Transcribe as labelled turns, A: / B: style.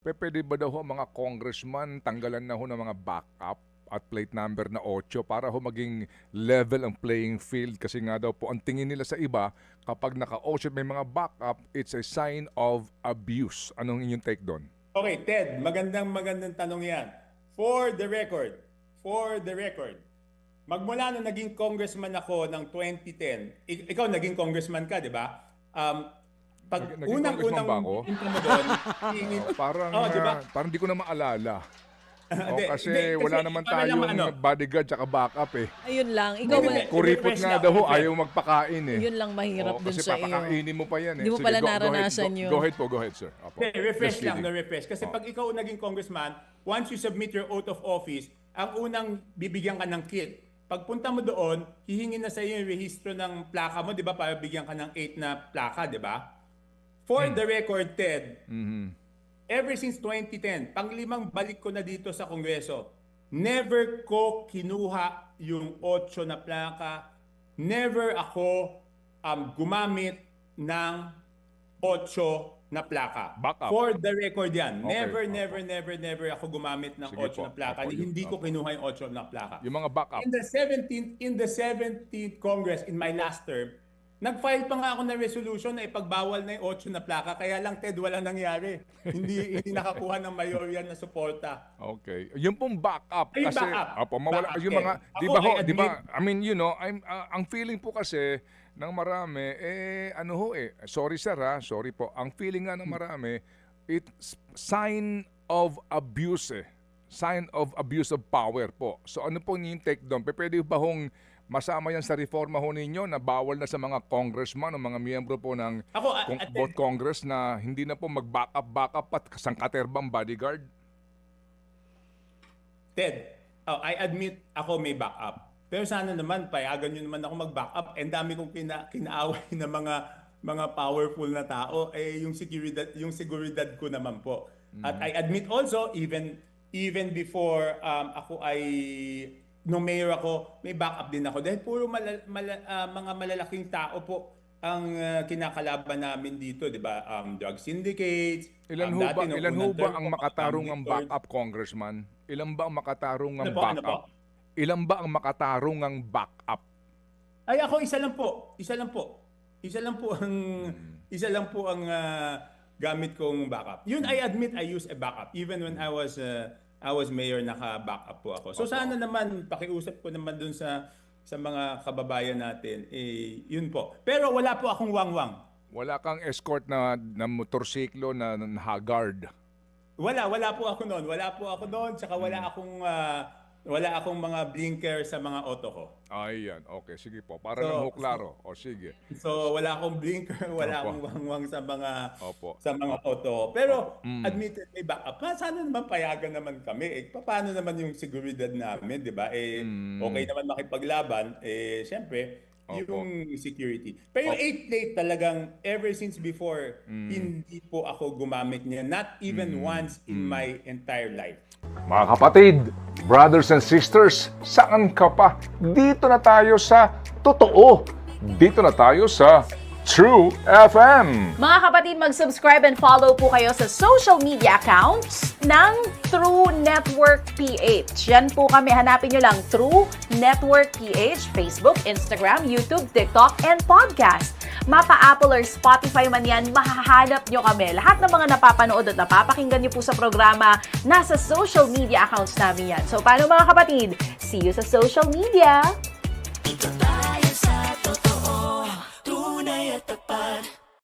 A: Pwede ba daw ho ang mga congressman tanggalan na ho ng mga backup at plate number na 8 para ho maging level ang playing field kasi nga daw po ang tingin nila sa iba kapag naka-8 may mga backup, it's a sign of abuse. Anong inyong take doon?
B: Okay, Ted, magandang tanong yan. For the record, magmula nung naging congressman ako ng 2010, ikaw naging congressman ka, di ba? Pag
A: Naging
B: unang-unang
A: congressman ba ako?
B: punta mo doon,
A: Parang parang di ko na maalala. Kasi wala naman tayong bodyguard tsaka backup eh.
C: Ayun lang. Ikaw ba?
A: Kuripot nga daw ho, ayaw magpakain eh.
C: Yun lang mahirap dun
A: Kasi
C: sa iyo.
A: papakainin mo pa yan eh.
C: Hindi mo
A: Sige,
C: pala
A: go
C: naranasan
A: ahead,
C: yun.
A: Go ahead sir. Apo.
B: Refresh
A: Just
B: lang,
A: kidding.
B: refresh. Kasi pag ikaw naging congressman, once you submit your oath of office, ang unang bibigyan ka ng kit. Pagpunta mo doon, hihingin na sa iyo yung rehistro ng plaka mo, di ba? Para bigyan ka ng 8 na plaka, di ba? For the record, Ted, ever since 2010, panglimang balik ko na dito sa Kongreso, never ko kinuha yung 8 na plaka. Never ako gumamit ng 8 na plaka.
A: Backup.
B: For the record yan.
A: Okay.
B: Never ako gumamit ng
A: Sige
B: 8
A: po.
B: na plaka.
A: Opo,
B: Hindi ko kinuha yung 8 na plaka.
A: Yung mga backup.
B: In the 17th Congress, in my last term, nag-file pa nga ako ng resolution na ipagbawal na yung 8 na plaka. Kaya lang, Ted, wala nangyari. hindi nakakuha ng mayorya na suporta.
A: Okay. Yung pong backup
B: Ay,
A: kasi
B: backup.
A: mawala
B: Backup,
A: yung mga
B: Ted.
A: di
B: Ako,
A: ba ho,
B: I
A: di ba?
B: admit-
A: I mean, ang feeling po kasi ng marami sorry sir sorry po. Ang feeling nga ng marami it's sign of abuse eh. Sign of abuse of power po. So ano po yung take doon? Pwede ba hong masama yan sa reforma ho ninyo na bawal na sa mga congressman o mga miyembro po ng both Congress na hindi na po mag-backup at sangkaterbang bodyguard?
B: Ted, I admit ako may backup. Pero sana naman, payagan nyo naman ako mag-backup. And dami kong kinaaway na mga powerful na tao. Yung seguridad ko naman po. At I admit also, even before ako ay nung mayor ako, may backup din ako. Dahil puro mga malalaking tao po ang kinakalaban namin dito, di ba? Drug syndicates.
A: Ilan ho ba ang makatarong ang backup, Congressman? Ilan ba ang makatarong ang backup? Ilan ba ang makatarong ang backup?
B: Ay ako isa lang po. Isa lang po ang gamit kong backup. Yun, I admit I use a backup even when I was mayor, naka-backup po ako. So sana naman pakiusap ko naman dun sa mga kababayan natin, yun po. Pero wala po akong wangwang.
A: Wala kang escort na motorsiklo na Haggard.
B: Wala po ako noon. Tsaka wala akong mga blinker sa mga auto ko.
A: Ayan, okay, sige po. Para lang ho klaro. O sige.
B: So wala akong blinker, wala
A: Opo.
B: akong wangwang sa mga
A: Opo.
B: auto. Pero admitted may backup. Sana naman payagan naman kami. Paano naman yung seguridad namin, 'di ba? Okay naman makipaglaban, syempre
A: Opo.
B: yung security. Pero yung 8 plate talagang ever since before, hindi po ako gumamit niya. Not even once in my entire life.
A: Mga kapatid, brothers and sisters, saan ka pa? Dito na tayo sa totoo. Dito na tayo sa True FM.
C: Mga kapatid, mag-subscribe and follow po kayo sa social media accounts ng True Network PH. Yan po kami. Hanapin nyo lang True Network PH, Facebook, Instagram, YouTube, TikTok, and podcast. Mapa Apple or Spotify man yan, mahahanap nyo kami. Lahat ng mga napapanood at napapakinggan nyo po sa programa, nasa social media accounts namin yan. So, paano mga kapatid? See you sa social media!
D: Dito tayo